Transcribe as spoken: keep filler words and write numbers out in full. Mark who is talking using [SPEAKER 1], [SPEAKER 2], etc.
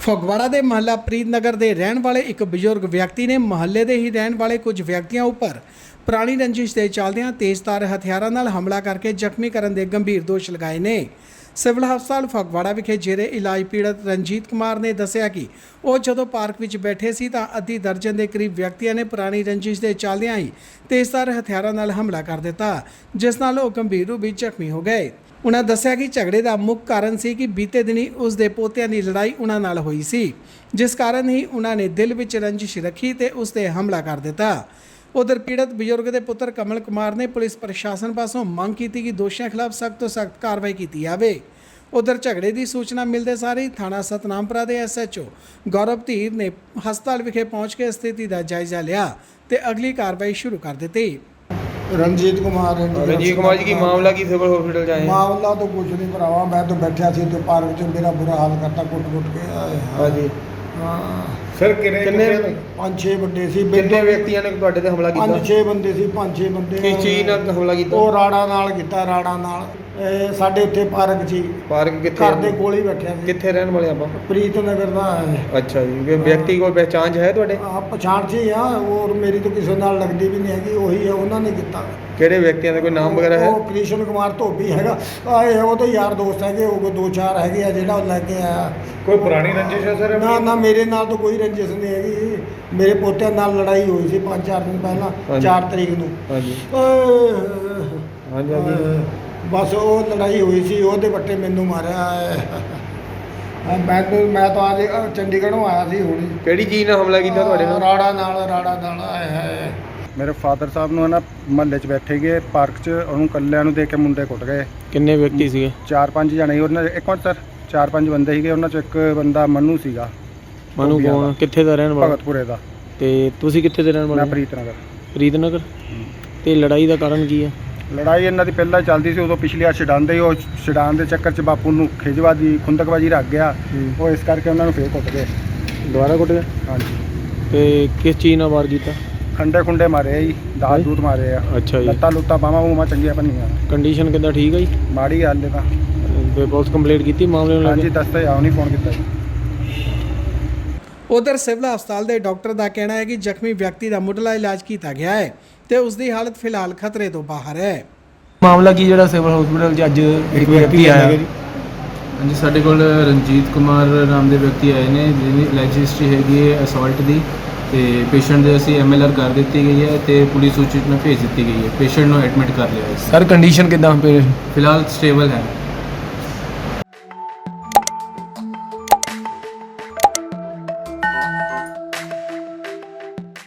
[SPEAKER 1] ਫਗਵਾੜਾ ਦੇ ਮਹੱਲਾ ਪ੍ਰੀਤ ਨਗਰ ਦੇ ਰਹਿਣ ਵਾਲੇ ਇੱਕ ਬਜ਼ੁਰਗ ਵਿਅਕਤੀ ਨੇ ਮਹੱਲੇ ਦੇ ਹੀ ਰਹਿਣ ਵਾਲੇ ਕੁਝ ਵਿਅਕਤੀਆਂ ਉੱਪਰ ਪੁਰਾਣੀ ਰੰਜਿਸ਼ ਦੇ ਚੱਲਦਿਆਂ ਤੇਜ਼ਧਾਰ ਹਥਿਆਰਾਂ ਨਾਲ ਹਮਲਾ ਕਰਕੇ ਜ਼ਖਮੀ ਕਰਨ ਦੇ ਗੰਭੀਰ ਦੋਸ਼ ਲਗਾਏ ਨੇ। ਸਿਵਲ ਹਸਪਤਾਲ ਫਗਵਾੜਾ ਵਿਖੇ ਜੇਰੇ ਇਲਾਜ ਪੀੜਤ ਰਣਜੀਤ ਕੁਮਾਰ ਨੇ ਦੱਸਿਆ ਕਿ ਉਹ ਜਦੋਂ ਪਾਰਕ ਵਿੱਚ ਬੈਠੇ ਸੀ ਤਾਂ ਅੱਧੀ ਦਰਜਨ ਦੇ ਕਰੀਬ ਵਿਅਕਤੀਆਂ ਨੇ ਪੁਰਾਣੀ ਰੰਜਿਸ਼ ਦੇ ਚੱਲਦਿਆਂ ਹੀ ਤੇਜ਼ਧਾਰ ਹਥਿਆਰਾਂ ਨਾਲ ਹਮਲਾ ਕਰ ਦਿੱਤਾ, ਜਿਸ ਨਾਲ ਉਹ ਗੰਭੀਰ ਰੂਪ ਵਿੱਚ ਜ਼ਖਮੀ ਹੋ ਗਏ। उन्होंने दस्सिया कि झगड़े का मुख्य कारण सी कि बीते दिनी उसके पोतियां की लड़ाई उन्हां नाल हुई सी, जिस कारण ही उन्होंने दिल विच रंजिश रखी ते उस ते हमला कर दिता। उधर पीड़ित बजुर्ग के पुत्र कमल कुमार ने पुलिस प्रशासन पासों मंग की कि दोषियों खिलाफ सख्त तो सख्त कार्रवाई की जाए। उधर झगड़े की सूचना मिलते सार ही थाना सतनामपुरा के एस एच ओ गौरव धीर ने हस्पताल विखे पहुँच के स्थिति का जायजा लिया ते अगली कार्रवाई शुरू कर दी।
[SPEAKER 2] रंजीत कुमार
[SPEAKER 3] रंजीत कुमार जी की मामला की सिविल हॉस्पिटल जाए?
[SPEAKER 2] मामला तो कुछ नहीं भरावा, मैं तो बैठा सी तो पार्क च मेरा बुरा हाल करता कुट कुट के।
[SPEAKER 3] हाँ जी
[SPEAKER 2] हाँ
[SPEAKER 3] सर कितने कितने
[SPEAKER 2] पांच छे बंदे सी,
[SPEAKER 3] कितने व्यक्तियों ने ਤੁਹਾਡੇ ਤੇ ਹਮਲਾ ਕੀਤਾ?
[SPEAKER 2] पांच छे बंदे सी, पांच छे बंदे।
[SPEAKER 3] ਕਿਸ ਚੀਜ਼ ਨਾਲ ਹਮਲਾ ਕੀਤਾ?
[SPEAKER 2] ਉਹ ਰਾੜਾ ਨਾਲ ਕੀਤਾ, ਰਾੜਾ ਨਾਲ। ਇਹ ਸਾਡੇ ਇੱਥੇ ਪਾਰਕ ਸੀ,
[SPEAKER 3] ਪਾਰਕ ਕਿੱਥੇ?
[SPEAKER 2] ਘਰ ਦੇ ਕੋਲ ਹੀ ਬੈਠਿਆ ਸੀ।
[SPEAKER 3] ਕਿੱਥੇ ਰਹਿਣ ਵਾਲੇ ਆਪਾਂ?
[SPEAKER 2] ਪ੍ਰੀਤ ਨਗਰ ਦਾ ਹੈ।
[SPEAKER 3] ਅੱਛਾ ਜੀ, ਇਹ ਵਿਅਕਤੀ ਕੋਲ ਪਹਿਚਾਣ ਹੈ ਤੁਹਾਡੇ?
[SPEAKER 2] ਆ ਪਛਾਣ ਸੀ ਆ, ਔਰ ਮੇਰੀ ਤਾਂ ਕਿਸੇ ਨਾਲ ਲੱਗਦੀ ਵੀ ਨਹੀਂ ਹੈਗੀ, ਉਹੀ ਹੈ, ਉਹਨਾਂ ਨੇ ਕੀਤਾ।
[SPEAKER 3] ਕਿਹੜੇ ਵਿਅਕਤੀਆਂ ਦਾ ਕੋਈ ਨਾਮ ਵਗੈਰਾ ਹੈ?
[SPEAKER 2] ਉਹ ਕ੍ਰਿਸ਼ਨ ਕੁਮਾਰ ਧੋਬੀ ਹੈਗਾ, ਆ ਇਹ ਉਹਦੇ ਯਾਰ ਦੋਸਤ ਹੈਗੇ, ਉਹ ਦੋ ਚਾਰ ਹੈਗੇ ਆ ਜਿਹੜਾ ਉਹ ਲੈ ਕੇ ਆਇਆ।
[SPEAKER 3] ਕੋਈ ਪੁਰਾਣੀ ਰੰਜਿਸ਼ ਹੈ ਸਰ?
[SPEAKER 2] ਨਾ ਨਾ ਮੇਰੇ ਨਾਲ ਤਾਂ ਕੋਈ ਰੰਜਿਸ਼ ਨਹੀਂ ਹੈਗੀ, ਮੇਰੇ ਪੋਤਿਆਂ ਨਾਲ ਲੜਾਈ ਹੋਈ ਸੀ ਪੰਜ ਚਾਰ ਦਿਨ ਪਹਿਲਾਂ, ਚਾਰ ਤਰੀਕ ਨੂੰ।
[SPEAKER 3] ਹਾਂਜੀ
[SPEAKER 2] ਹਾਂਜੀ ਹਾਂਜੀ ਬਸ ਉਹ ਲੜਾਈ ਹੋਈ ਸੀ, ਉਹਦੇ ਵੱਟੇ ਮੈਨੂੰ ਮਾਰਿਆ ਹੈ। ਮੈਂ ਤਾਂ ਮੈਂ ਤਾਂ ਅੱਜ ਚੰਡੀਗੜ੍ਹੋਂ ਆਇਆ ਸੀ ਹੁਣੀ।
[SPEAKER 3] ਕਿਹੜੀ ਚੀਜ਼ ਨਾਲ ਹਮਲਾ ਕੀਤਾ ਤੁਹਾਡੇ ਨਾਲ?
[SPEAKER 2] ਰਾੜਾ ਨਾਲ, ਰਾੜਾ ਨਾਲ ਆਇਆ ਹੈ।
[SPEAKER 4] ਮੇਰੇ ਫਾਦਰ ਸਾਹਿਬ ਨੂੰ ਨਾ ਮਹੱਲੇ 'ਚ ਬੈਠੇ ਗਏ ਪਾਰਕ 'ਚ, ਉਹਨੂੰ ਕੱਲਿਆਂ ਨੂੰ ਦੇਖ ਕੇ ਮੁੰਡੇ ਕੁੱਟ ਗਏ।
[SPEAKER 3] ਕਿੰਨੇ ਵਿਅਕਤੀ ਸੀਗੇ?
[SPEAKER 4] ਚਾਰ ਪੰਜ ਜਣੇ ਸੀ ਉਹਨਾਂ ਇੱਕ ਮਿੰਟ ਸਰ, ਚਾਰ ਪੰਜ ਬੰਦੇ ਸੀਗੇ, ਉਹਨਾਂ 'ਚ ਇੱਕ ਬੰਦਾ ਮਨੂ ਸੀਗਾ।
[SPEAKER 3] ਮਨੂ ਕੌਣ, ਕਿੱਥੇ ਦਾ ਰਹਿਣ ਵਾਲਾ?
[SPEAKER 4] ਭਗਤਪੁਰੇ ਦਾ।
[SPEAKER 3] ਤੇ ਤੁਸੀਂ ਕਿੱਥੇ ਦੇ ਰਹਿਣ ਵਾਲੇ?
[SPEAKER 4] ਮੈਂ ਪ੍ਰੀਤ ਨਗਰ।
[SPEAKER 3] ਪ੍ਰੀਤ ਨਗਰ। ਤੇ ਲੜਾਈ ਦਾ ਕਾਰਨ ਕੀ ਹੈ?
[SPEAKER 4] ਲੜਾਈ ਇਹਨਾਂ ਦੀ ਪਹਿਲਾਂ ਚੱਲਦੀ ਸੀ, ਉਦੋਂ ਪਿਛਲੀ ਵਾਰ ਛਡਾਉਂਦੇ, ਉਹ ਛਡਾਉਣ ਦੇ ਚੱਕਰ 'ਚ ਬਾਪੂ ਨੂੰ ਖਿਜਵਾਦੀ ਖੁੰਦਕਬਾਜੀ ਰੱਖ ਗਿਆ, ਉਹ ਇਸ ਕਰਕੇ ਉਹਨਾਂ ਨੂੰ ਫੇਰ ਕੁੱਟ ਗਏ।
[SPEAKER 3] ਦੁਬਾਰਾ ਕੁੱਟ ਗਏ?
[SPEAKER 4] ਹਾਂਜੀ।
[SPEAKER 3] ਤੇ ਕਿਸ ਚੀਜ਼ ਨਾਲ ਵਾਰ ਕੀਤਾ?
[SPEAKER 4] ਖੰਡੇ ਖੁੰਡੇ ਮਾਰੇ ਆ ਜੀ, ਦਾਤ ਦੂਤ ਮਾਰੇ ਆ।
[SPEAKER 3] ਅੱਛਾ ਜੀ।
[SPEAKER 4] ਲੱਤਾਂ ਲੁੱਤਾਂ ਬਾਹਾਂ ਬੂਹਾਂ ਚੰਗੀਆਂ ਭੰਨੀਆਂ।
[SPEAKER 3] ਕੰਡੀਸ਼ਨ ਕਿੱਦਾਂ, ਠੀਕ ਹੈ ਜੀ?
[SPEAKER 4] ਮਾੜੀ ਹਾਲ ਹੈ ਤਾਂ।
[SPEAKER 3] ਤੇ ਪੁਲਿਸ ਕੰਪਲੇਂਟ ਕੀਤੀ ਮਾਮਲੇ ਨੂੰ?
[SPEAKER 4] ਹਾਂਜੀ ਦੱਸਦੇ ਆਉ ਨਹੀਂ ਫੋਨ ਕੀਤਾ ਜੀ।
[SPEAKER 1] उधर सिविल हस्पताल के डॉक्टर का कहना है कि जख्मी व्यक्ति का मुढ़ला इलाज किया गया है तो उसकी हालत फिलहाल खतरे तो बाहर है।
[SPEAKER 5] ਮਾਮਲਾ ਕੀ ਜਿਹੜਾ ਸਿਵਲ ਹਸਪੀਟਲ 'ਚ ਅੱਜ ਇੱਕ ਵਿਅਕਤੀ ਆਇਆ?
[SPEAKER 6] ਹਾਂਜੀ, ਸਾਡੇ ਕੋਲ ਰਣਜੀਤ ਕੁਮਾਰ ਨਾਮ ਦੇ ਵਿਅਕਤੀ ਆਏ ਨੇ ਜਿਹਦੀ ਲਾਈਫ ਹਿਸਟਰੀ ਹੈਗੀ ਹੈ ਅਸੌਲਟ ਦੀ, ਤੇ ਪੇਸ਼ੈਂਟ ਦੇ ਅਸੀਂ ਐਮ ਐਲ ਆਰ ਕਰ ਦਿੱਤੀ ਗਈ ਹੈ ਤੇ ਪੁਲਿਸ ਸੂਚਿਤ ਨੂੰ ਭੇਜ ਦਿੱਤੀ ਗਈ ਹੈ। ਪੇਸ਼ੈਂਟ ਨੂੰ ਐਡਮਿਟ ਕਰ ਲਿਆ ਹੈ।
[SPEAKER 5] ਸਰ ਕੰਡੀਸ਼ਨ ਕਿੱਦਾਂ ਪੇਸ਼?
[SPEAKER 6] ਫਿਲਹਾਲ ਸਟੇਬਲ ਹੈ।